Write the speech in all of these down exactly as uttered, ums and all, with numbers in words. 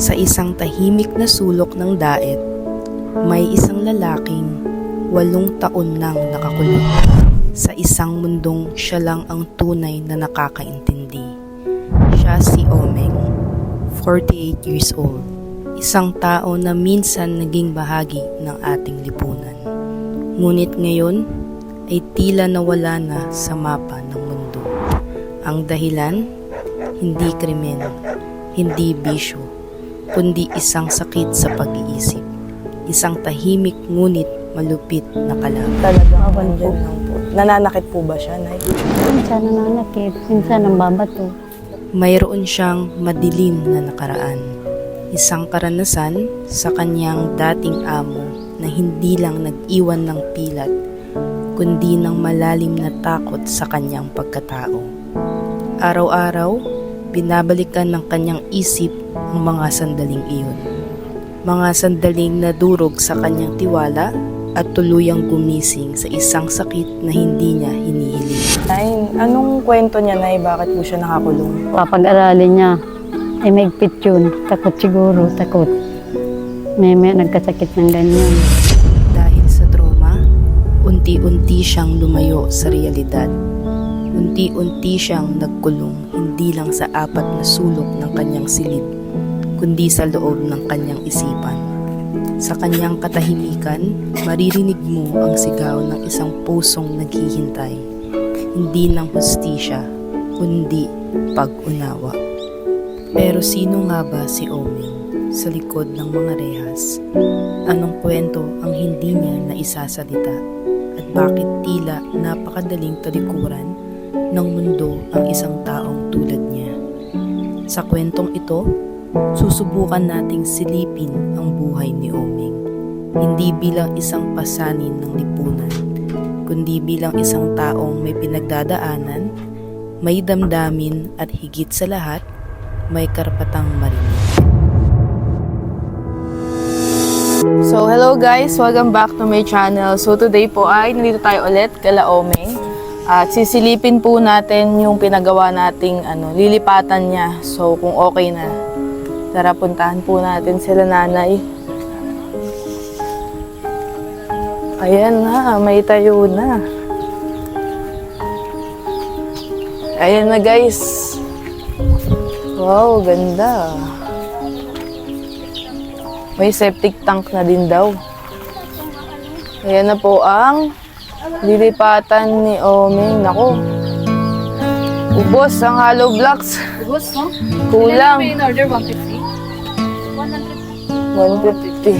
Sa isang tahimik na sulok ng daet, may isang lalaking walong taon nang nakakulong. Sa isang mundong siya lang ang tunay na nakakaintindi. Siya si Omeng, forty-eight years old. Isang tao na minsan naging bahagi ng ating lipunan. Ngunit ngayon ay tila nawala na sa mapa ng mundo. Ang dahilan, hindi krimen, hindi bisyo, kundi isang sakit sa pag-iisip. Isang tahimik ngunit malupit na kalaban. Talagang andyan lang po. Nananakit po ba siya, Nay? Minsan nananakit, minsan nambabato. Mayroon siyang madilim na nakaraan. Isang karanasan sa kanyang dating amo na hindi lang nag-iwan ng pilat, kundi ng malalim na takot sa kanyang pagkatao. Araw-araw, binabalikan ng kanyang isip ang mga sandaling iyon. Mga sandaling nadurog sa kanyang tiwala at tuluyang gumising sa isang sakit na hindi niya hinihiling. Nay, anong kwento niya, Nay? Bakit po siya nakakulong? Papag-aralin niya, ay maigpit yun. Takot siguro, takot. May may nagkasakit ng ganyan. Dahil sa trauma, unti-unti siyang lumayo sa realidad. Unti-unti siyang nagkulong hindi lang sa apat na sulok ng kanyang silid, kundi sa loob ng kanyang isipan. Sa kanyang katahimikan, maririnig mo ang sigaw ng isang pusong naghihintay, hindi ng hustisya, kundi pag-unawa. Pero sino nga ba si Omeng sa likod ng mga rehas? Anong kwento ang hindi niya naisasalita? At bakit tila napakadaling talikuran ng mundo ang isang taong tulad niya? Sa kwentong ito, susubukan nating silipin ang buhay ni Omeng, hindi bilang isang pasanin ng lipunan, kundi bilang isang taong may pinagdadaanan, may damdamin at higit sa lahat, may karapatang marinig. So, hello guys! Welcome back to my channel. So, today po ay nandito tayo ulit kala Omeng. At sisilipin po natin yung pinagawa nating ano, lilipatan niya. So, kung okay na, tara puntahan po natin sila nanay. Ayan na, may tayo na. Ayan na guys. Wow, ganda. May septic tank na din daw. Ayan na po ang lilipatan ni Omeng. Nako. Ubos ang hollow blocks. Ubos, no? Kulang. In order, one fifty? one fifty.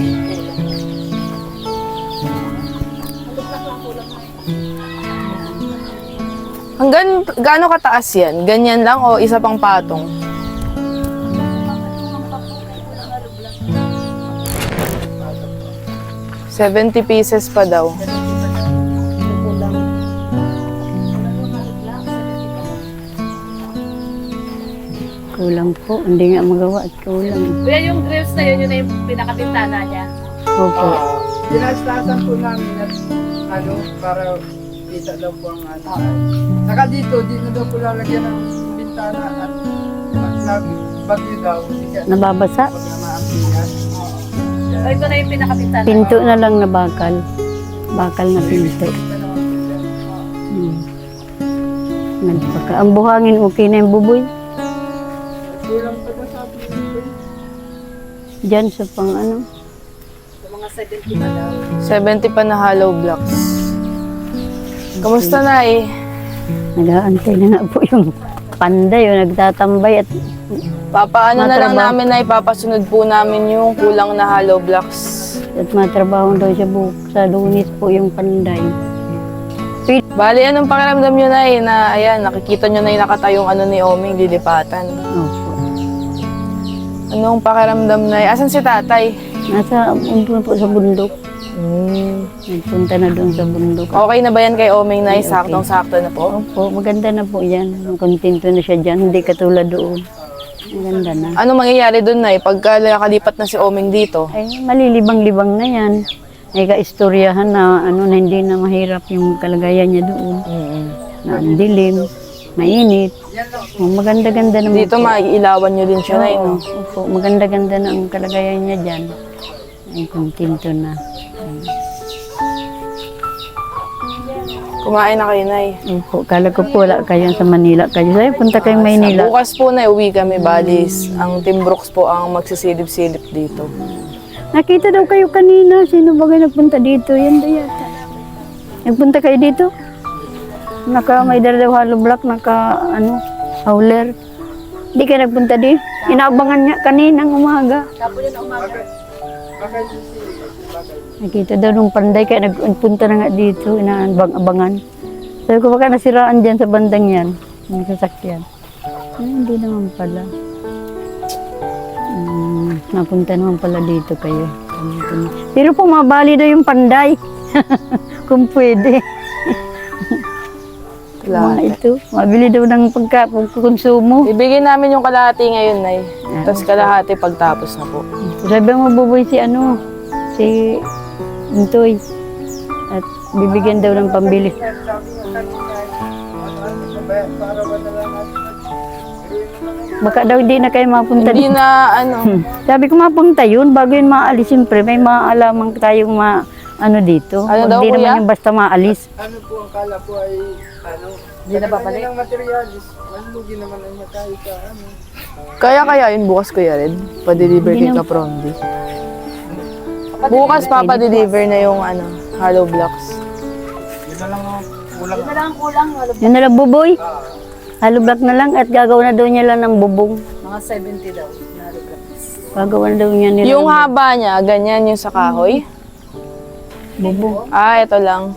Hanggang gaano kataas yan? Ganyan lang o isa pang patong? seventy pieces pa daw. Kulang po, hindi nga magawa at kulang. Kuya, yung grills na yun, yun na yung pinakabintana niya. Opo. Dinastasan po namin at ano, para kita daw po ang ano. Saka dito, di na daw po lalagyan ng bintana at pag bagyo daw, hindi ka Nababasa? pag namaampihan. So, ito na yung pinakabintana. Pinto na lang na bakal. Bakal na pinto. Hmm. Nagpaka. Ang buhangin, okay na yung buboy. Kulang pa daw sabi dito. Diyan sa pang ano. Sa mga seventy pa daw. seventy pa na hollow blocks. Kamusta na eh? Nag-aantay na nga po yung panday, yung nagtatambay at Papaano na lang Matrabaho. namin na ipapasunod po namin yung kulang na hollow blocks. at matrabaho daw siya buhok sa lunis po yung panday. Bali, anong pakiramdam nyo na eh, na ayan, nakikita nyo na yung nakatayong ano ni Omeng, lilipatan. Opo. Anong pakiramdam na eh? Asan si tatay? Nasa umpun po sa bundok. Hmm. Nagpunta na doon sa bundok. Okay na ba yan kay Omeng na Okay, okay. saktong-sakto na po? Opo, maganda na po yan. Kontento na siya dyan, hindi katulad doon. Maganda na. Ano mangyayari doon na eh, pagka nakalipat na si Omeng dito? Ay, malilibang-libang na yan. May kaistoryahan na ano na hindi na mahirap yung kalagayan niya doon. Mm-hmm. Na ang dilim. mainit. Yan lang po. Oh, maganda-ganda naman Dito po. maiilawan nyo din siya, Nay, Oo, no? opo, maganda-ganda na ang kalagayan niya dyan. Ay, kontento na. Kumain na kayo, Nay. Opo, kala ko po wala kayo sa Manila kayo. Sabi, punta kayong Maynila. Bukas po na uwi kami, Balis. Ang Team Brooks po ang magsisilip-silip dito. Nakita daw kayo kanina. Sino ba kayo nagpunta dito? Yan daw yata. Nagpunta kayo dito? Naka, may dala daw hollow block, naka, ano, howler. Hindi kayo nagpunta di? Inaabangan niya kaninang umaga. Bakit? Bakit si Bagay? Nakita daw nung panday, kaya nag- nagpunta na nga dito, inaabang-abangan. Sabi ko, baka nasiraan dyan sa bandang yan, yung sasakyan. Ay, hindi naman pala. Hmm, napunta naman pala dito kayo. Pero pumabali daw yung panday. Kung pwede. Mga ito, mabili daw ng pagka, pagkakonsumo. Ibigay namin yung kalahati ngayon, Nay. Tapos kalahati pagtapos na po. Sabi mo, buboy si ano, si Intoy. At bibigyan daw ng pambili. Sabi nga kanina, ano-ano sa bayan, para ba na lang natin nag- Baka daw hindi na kayo mapunta Hindi dito. na, ano, Hmm. Sabi ko mapunta yun, bago yun maalis, siyempre may maalaman tayong ma, ano dito. Ano daw, Hindi kuya? naman yung basta maalis. Ano po ang kala po ay, ano, Hindi na babalik? ng materialis, malugi naman ang tayo sa ano. kaya kaya yun bukas, Kuya Red. Pa-deliver kay Kaprondi. Bukas pa-deliver na yung, ano, hollow blocks. Yun na lang ang kulang. Yun na lang ang kulang. Wala Yun na lang buboy. Halo block na lang at gagawa na daw niya lang ng bubong. mga seventy daw. Na regrets. Gagawa na daw niya nila. Yung haba niya, ganyan yung sa kahoy. bubong. Ah, ito lang.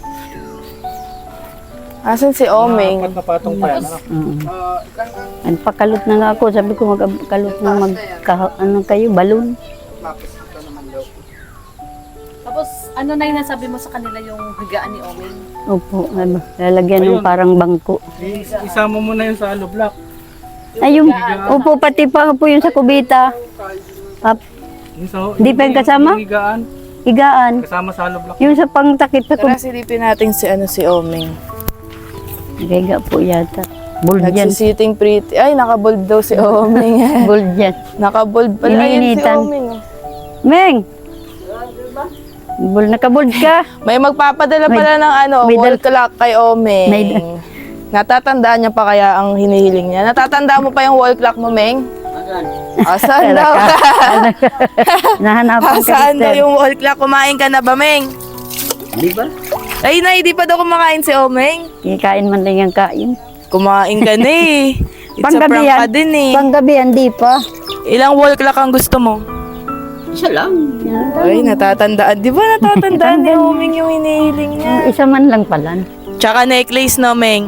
Asan si Omeng? na patong pa yan. Oo. Ah, isang ang Nagpakalot na nga ako. Sabi ko magkalot na magka, ano kayo, balon. tapos ito naman daw. Tapos, ano na yung nasabi mo sa kanila yung higaan ni Omeng? Opo, ano, lalagyan ng parang bangko. Isama mo na yun sa alo block. Ay, yung, opo, pati pa po yung sa kubita. Pap, Di pa yung kasama? Higaan, higaan. kasama sa alo block. Yung sa pangtakip sa Tara, kubita. silipin natin si, ano, si Omeng. Higa po yata. Bold yan. Nagsisitting pretty. Ay, nakabold daw si Omeng. Bold yan. Nakabold pala. Ayun si Iniinitan. Omeng. oh. Meng! Bold, nakabold ka. May magpapadala May- pala ng ano, may wall dal- clock kay Omeng. May- Natatandaan niya pa kaya ang hinihiling niya? Natatandaan mo pa yung wall clock mo, Meng? Asan daw? Nahanapan ka Saan daw mister. yung wall clock? Kumain ka na ba, Meng? Di ba? Ay, na, hindi pa daw kumakain si Omeng. Kikain man lang yung kain. Kumain ka na eh. It's a prank Panggabi ka yan. din eh. Panggabi, hindi pa. Ilang wall clock ang gusto mo? Yan. Ay, natatandaan. Di ba natatandaan ni Omeng yung hinihiling niya? Isa man lang pala. Tsaka necklace, no, Meng?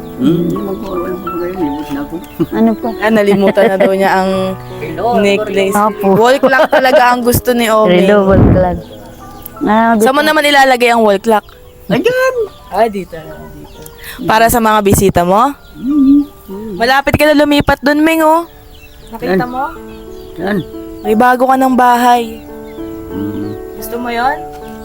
Ano pa? Ah, nalimutan na daw niya ang necklace. Apo. Wall clock talaga ang gusto ni Omeng. Reload clan. Ah, Saan mo naman ilalagay ang wall clock? Ayan! Ah, dito. dito. Para sa mga bisita mo? Malapit ka na lumipat dun, Meng, oh. Nakita mo? Yan. May bago ka ng bahay. Gusto mo yon?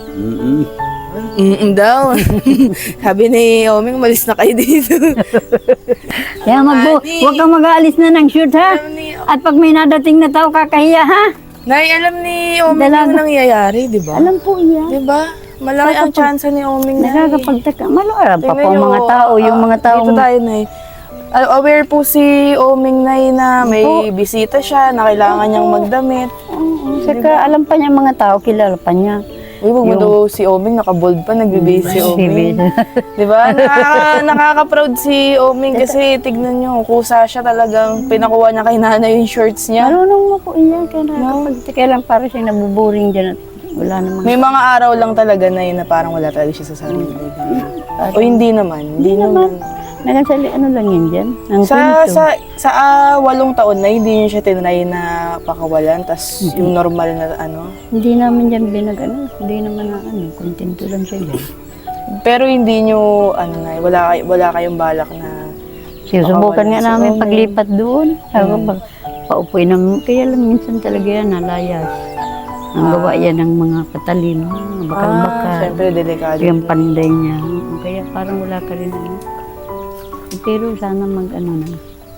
Mm daw. Sabi ni Omeng, malis na kayo dito. Kaya magbo, Ani. huwag kang mag-aalis na ng shoot ha. alam ni, At pag may nadating na tao, kakahiya ha. Nay, alam ni Omeng Dalaga. yung nangyayari, di ba? Alam po yan. Di ba? Malaki ang chance ni Omeng na. Nakakapagtaka. Malawala pa po Tingnan ang nyo, mga tao. Yung ah, mga tao. Dito tayo, Nay. Ah, aware po si Omeng, Nay, na may bisita siya, na kailangan niyang magdamit. Oo, saka alam pa niya mga tao, kilala pa niya. Uy, wag mo daw si Omeng, nakabold pa, nagbibase si Omeng. Baby. Di ba? Nakaka, nakaka-proud si Omeng kasi tignan nyo, kusa siya talagang pinakuha niya kay nanay yung shorts niya. Marunong mo po iyan. Kaya nakakapagtaka lang para siya nabuboring dyan at wala namang. May mga araw lang talaga na yun na parang wala talaga siya sa sarili. O hindi naman, hindi naman. Nagasali, ano lang yan dyan? Ang Sa kwento. sa sa ah, walong taon na hindi niyo siya tinry na pakawalan, tas yung normal na ano. Hindi namin dyan binag, ano, hindi naman na, ano, kontento lang siya dyan. Pero hindi niyo ano na, wala kay wala kayong balak na Sinusubukan nga Si namin Omeng. paglipat doon. Sabi ko, pag paupoy naman, kaya lang minsan talaga yan, nalayas. Ang gawa yan ng mga katalino, mga ah, bakal-bakal. syempre delikado. Yung panday niya. Kaya parang wala ka rin, ano. Pero sana mag ano na.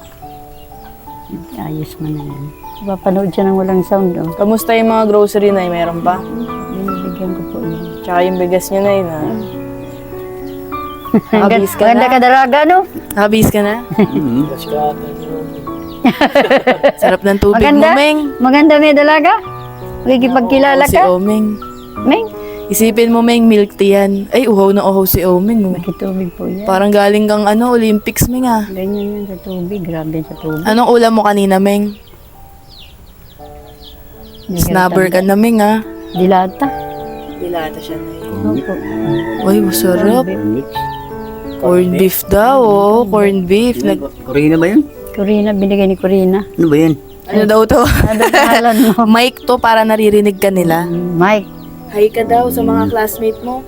Ayos mo na yan. Papanood siya ng walang sound. Oh. Kamusta yung mga grocery na meron pa? Binibigyan ko po yun. Tsaka yung bigas niyo na na. Nakabis ka Maganda na? ka dalaga, no? Nakabis ka na? Sarap ng tubig Maganda? mo, Meng. Maganda may dalaga? Magkikipagkilala Si ka? Omeng. Meng? Isipin mo, Meng, milk tea yan. Ay, uhaw na uhaw si Omeng. Oh. Makitubig po yan. Parang galing kang ano, Olympics, Meng ah. Ganyan yan sa tubig. Grabe sa tubig. Anong ulam mo kanina, Meng? Hindi Snubber ka na, Meng ah. Dilata. Dilata siya na yun. Opo. Uy, masarap. Mix. Corn beef daw, oh. Corn beef. Nag Corina ba yun? Corina, binigay ni Corina. Ano ba yan? ano daw to? Ano pangalan mo? Mic to para naririnig ka nila. Mike. Hi ka daw sa mga classmate mo.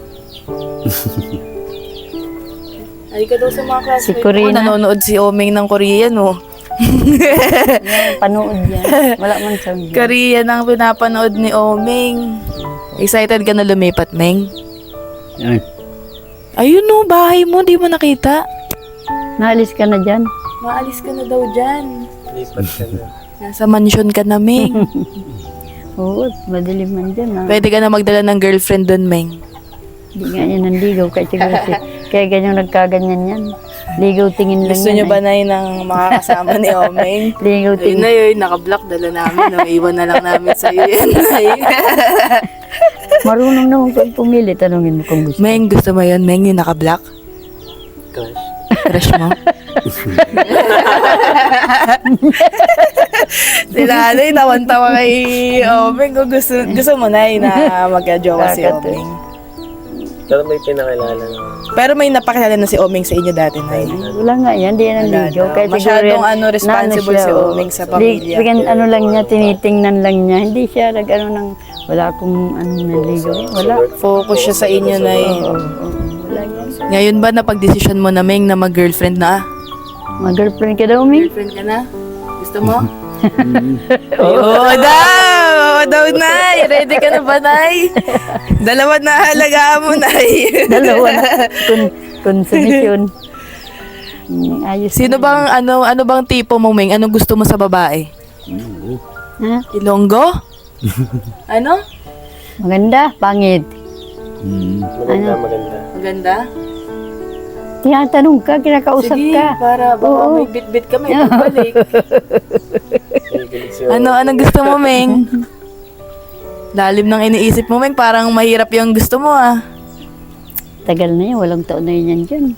Hi ka daw sa mga classmate Si Corina. mo. Nanonood si Omeng ng Korean, oh. Yan, panood yan. Wala man sound yan. Korean ang pinapanood ni Omeng. Excited ka na lumipat, Meng? Yan. Ayun no, bahay mo, di mo nakita. Naalis ka na dyan. Maalis ka na daw dyan. Lipat ka na. Nasa mansion ka na, Meng. Oo, madilim man dyan. Ah. Pwede ka na magdala ng girlfriend doon, Meng. Hindi nga yan nandigaw. Kaya siguro si, kaya ganyan nagkaganyan yan. Ligaw tingin lang Gusto yan. nyo ba eh. na ng makakasama ni Omeng? Ligaw Ayun tingin. na yun, naka-block, dala namin. No? Iwan na lang namin sa'yo yan. Marunong naman kung pumili. Tanungin mo kung gusto. Meng, gusto mo yun? Meng, yung naka-block? Crush. Crush mo? Sila, ano yung tawan-tawa kay Omeng. Kung gusto, gusto mo na yun na magka-jowa si Kakatu. Omeng. Pero may pinakilala na. Pero may napakilala na si Omeng sa inyo dati, Nay. Wala nga yan. Di yan ang Wala ligaw. daw. Kaya siguro Masyadong yan, ano, responsible naano si siya, Omeng oh. sa pamilya. Di, bigyan, ano lang niya, tinitingnan lang niya. Hindi siya nag ano ng, wala akong ano naligaw. Wala. Focus siya sa inyo, Nay. Oo, oo. Wala yan. Ngayon ba napag-desisyon mo na, Meng, na mag-girlfriend na? Mag-girlfriend ka daw, Ming? Girlfriend ka na? Gusto mo? Oo daw! Oo daw, Nay! Ready ka na ba, Nay? Dalawa na halagaan mo, Nay. Dalawa na. Kun, konsumisyon. Mm, ayos. Sino bang, ano, ano bang tipo mo, Meng? Anong gusto mo sa babae? Ha? Ilonggo? Ano? Maganda, pangit. Hmm. Ano? Maganda? Tinatanong ka, kinakausap Sige, ka. para baka Oo. may bit-bit ka, may pagbalik. ano, anong gusto mo, Meng? Lalim ng iniisip mo, Meng. Parang mahirap yung gusto mo, ah. Tagal na yun, walang taon na yun yan dyan.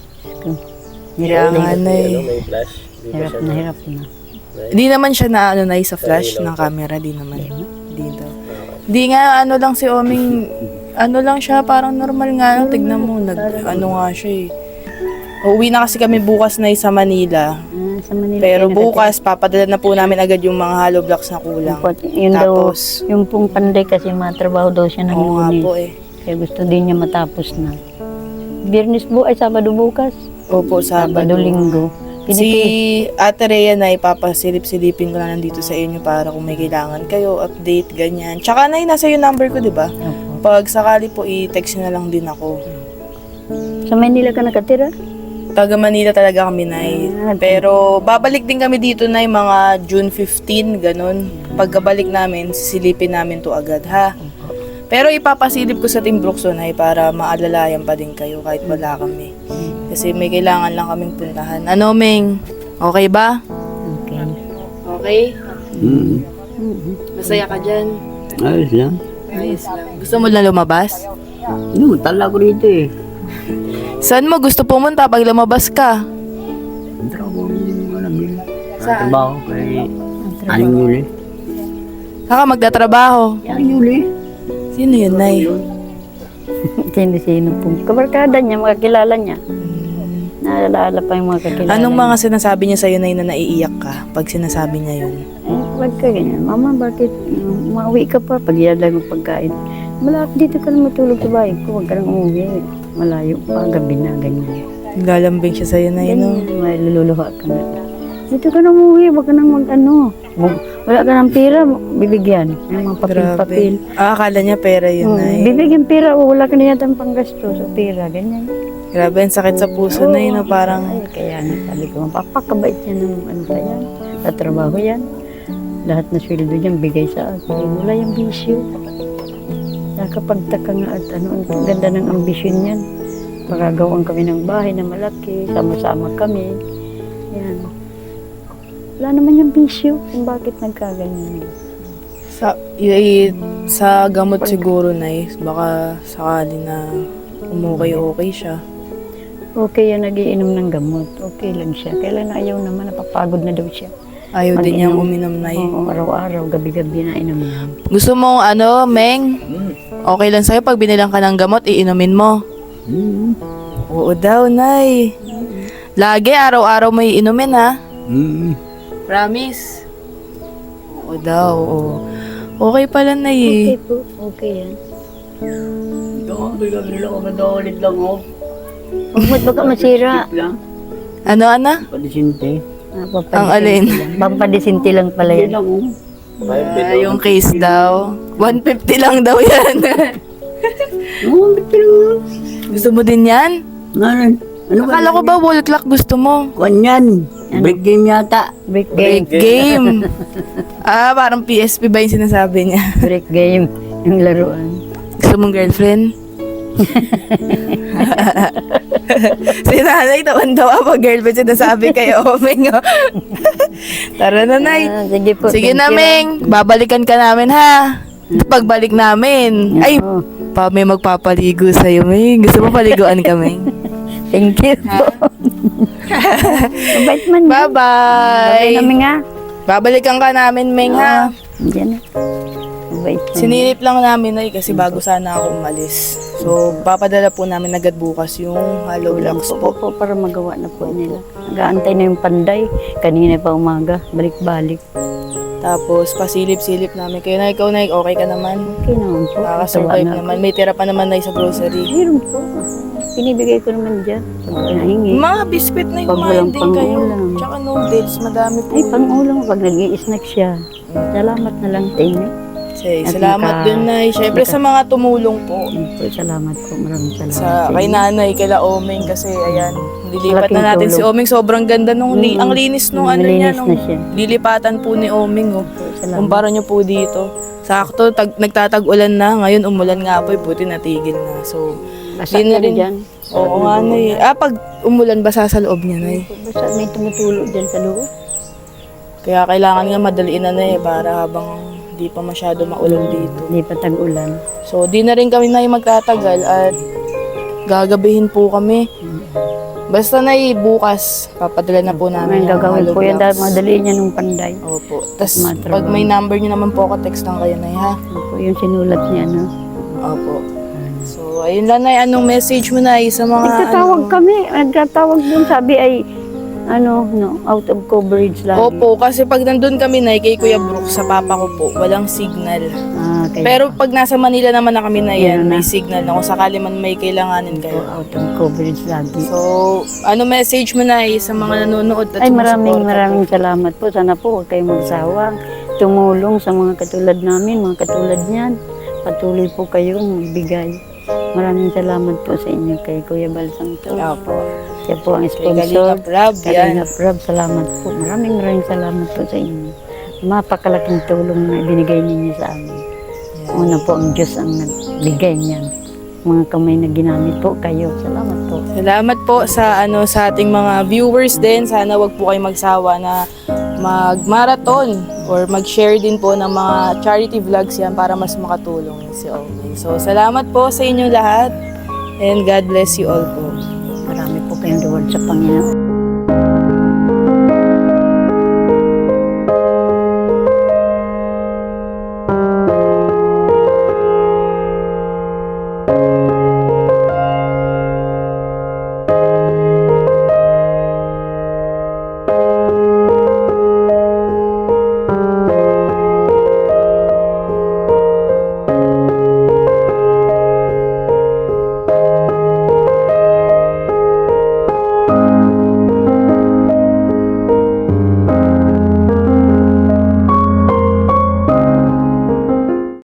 Kaya nga, Nay. Hirap na hirap na. Di naman siya na, ano, Nay, sa flash ng camera. Di naman. Di daw. Di nga, ano lang si Oming, ano lang siya, parang normal nga lang. Tignan mo, nag, ano nga siya eh. Uuwi na kasi kami bukas na sa Manila. Ah, sa Manila. Pero kayo bukas, papadala na po namin agad yung mga hollow blocks na kulang. nakatira. Yun daw, Tapos, yung pong panday kasi matrabaho daw siya ng oo nga lunes. po eh. Kaya gusto din niya matapos na. Biyernes bu ay Sabado bukas. Opo, Sabado, Sabado. Linggo. Si Pinipili. Ate Rhea na ipapasilip-silipin ko na nandito sa inyo para kung may kailangan kayo, update, ganyan. Tsaka na nasa yung number ko, di ba? Opo. Pag sakali po, i-text nyo na lang din ako. Sa Manila ka nakatira? Taga Manila talaga kami, Nay. Ah, Pero babalik din kami dito, Nay, mga June fifteenth, ganun. Pagkabalik namin, sisilipin namin to agad, ha? Pero ipapasilip ko sa Team Brooks, Nay, para maalalayan pa din kayo kahit wala kami. Kasi may kailangan lang kaming puntahan. Ano, Meng? Okay ba? Okay. Okay? Hmm. Masaya ka dyan? Ayos lang. Ayos lang. Gusto mo na lumabas? Ano, tala ko rito eh. Saan mo gusto pumunta pag lumabas ka? Ang trabaho mo alam yun. Saan? Trabaho kay Aling Yuli. Saka magtatrabaho. Aling Yuli. Sino yun, Nay? Sino-sino pong kabarkada niya, mga kilala niya. Naalala pa yung mga kakilala Anong niya. mga sinasabi niya sa'yo, Nay, na naiiyak ka pag sinasabi niya yun? Eh, wag ka ganyan. Mama, bakit um, mauwi ka pa pag iyadag mo pagkain? Wala, dito ka na matulog sa bahay ko. Huwag ka nang umuwi. Malayo pa, gabi na, ganyan. Lalambing siya sa'yo, Nay, no? Ganyan, may lululuha ka na. Dito ka na umuwi, huwag ka nang mag ano. Wag- Wala ka ng pera, bibigyan. Yung mga papel-papel. Ah, akala niya pera yun, Hmm, Nay. bibigyan pera, o wala ka na yata panggasto sa pera, ganyan. Grabe, ang sakit sa puso, Nay, no? Parang Ay, kaya ano, sabi ko, mapapakabait niya ng ano pa yan, tatrabaho yan. Lahat na sweldo niyan bigay sa akin. Wala yung bisyo. Nakapagtaka nga at ano, ang ganda ng ambisyon niyan. Magagawan kami ng bahay na malaki, sama-sama kami. Yan. Wala naman yung bisyo kung bakit nagkaganyan. Sa, y- sa gamot siguro, Nay, baka sakali na umukay-okay siya. Okay yan, nagiinom ng gamot. Okay lang siya. Kailan na ayaw naman, napapagod na daw siya. Ayaw din niyang Mag-inom. uminom, Nay. Oo, araw-araw, gabi-gabi na inom niya. Gusto mo, ano, Meng? Okay lang sa'yo pag binilang ka ng gamot, iinumin mo? Hmm. Oo daw, Nay. Lagi, araw-araw mo iinumin, ha? Hmm. Promise? Oo daw, oo. Okay pala, Nay, eh. Okay po, okay yan. Ito, bigyan nila ako madalit lang ako. Huwag mo't baka masira. Tip lang. Ano, Ana? Padisinte. Ah, Ang alin? Pampadisinti lang pala Yan yan. lang oh. Ah, yung case daw. one fifty lang daw yan. Oo, bitin lang. Gusto mo din yan? Ngayon, ano ba? Akala ko ba wall clock gusto mo? Kwan yan. Break game yata. Break Break game. game. Ah, parang P S P ba yung sinasabi niya? Break game. Yung laruan. Gusto mong girlfriend? Si nanay, tawan-tawa pa girlfriend sinasabi kay Omeng. Oh. Tara na, Nay. Ah, sige po. Sige thank na, you. Meng. Babalikan ka namin, ha? Pagbalik namin. Ay, Oo. pa may magpapaligo sa'yo, Meng. Gusto mo paliguan ka, Meng? Thank you po. Mabait man. yan. Bye-bye. Kami nga. Babalikan ka namin, Meng, ha? Diyan na. Mabait man. Sinilip lang namin, Nay, kasi bago sana ako umalis. So, papadala po namin agad bukas yung hollow blocks po, po. po para magawa na po nila. Nag-aantay na yung panday. Kanina pa umaga. Balik-balik. Tapos, pasilip-silip namin kayo. Na ikaw, Nay, okay ka naman? Okay naman po. Nakaka-survive Tawa na naman. May tira pa naman, Nay, sa grocery. Meron po. Pinibigay ko naman dyan. Pag nahingi. Mga biskwit na Pag kumain walang din kayo. pang-ulam. Tsaka noodles, madami po. Ay, pang-ulam. Pag nag-i-snack siya. Salamat na lang, thank you. Say, At salamat naka- din, Nay. Siyempre sa mga tumulong po. Thank you. Salamat po. Maraming salamat. Sa kay nanay, kila Omeng kasi ayan, lilipat Malaking na natin si tulong. Omeng. Sobrang ganda nung, li- Mm. ang linis nung ano Malinis niya, na nung siya. lilipatan po ni Omeng. Oh. Salamat. Kumpara niyo po dito. Sakto, tag, nagtatag-ulan na. Ngayon, umulan nga po, eh, buti natigil na. So, Basta di na ka rin. dyan. Oo nga, Nay. Ah, pag umulan, basa sa loob niya, Nay. Basta may tumutulo dyan sa loob. Kaya kailangan nga madaliin na, Nay, para habang di pa masyado maulan dito. Hindi pa tag-ulan. So, di na rin kami, Nay, magtatagal at gagabihin po kami. Basta, Nay, bukas, papadala na po namin May gagawin hollow po yan dahil blocks. madali niya nung panday. Opo. Tapos, Matrabaho. pag may number niyo naman po ako, text lang kayo, Nay, ha? Ano po yung sinulat niya, no? Opo. So, ayun lang, Nay. Anong message mo, Nay, sa mga... Nagtatawag ano? kami. Nagtatawag dun. Sabi ay, ano, no, out of coverage lang. Opo, kasi pag nandun kami, Nay, kay Kuya Brooks, sa papa ko po, walang signal. Ah, kaya Pero pag nasa Manila naman na kami na yan, Yan na. may signal na kung sakali man may kailanganin po, kayo. out of coverage lagi. So, ano message mo, Nay, sa mga nanonood at Ay, maraming sumusuporta maraming po? salamat po. Sana po huwag kayong magsawang tumulong sa mga katulad namin, mga katulad niyan. Patuloy po kayong magbigay. Maraming salamat po sa inyo kay Kuya Balsang to. Opo. Siya po ang Kay sponsor. Kalingap Rab, yan. Kalingap Rob, salamat po. Maraming maraming salamat po sa inyo. Mapakalaking tulong na ibinigay ninyo sa amin. Una po ang Diyos ang nagbigay niyan. Mga kamay na ginamit po kayo. Salamat po. Salamat po sa ano sa ating mga viewers din. Sana wag po kayo magsawa na mag-marathon or mag-share din po ng mga charity vlogs yan para mas makatulong si Omeng. So, salamat po sa inyong lahat and God bless you all po. Marami po kayong reward sa Panginoon.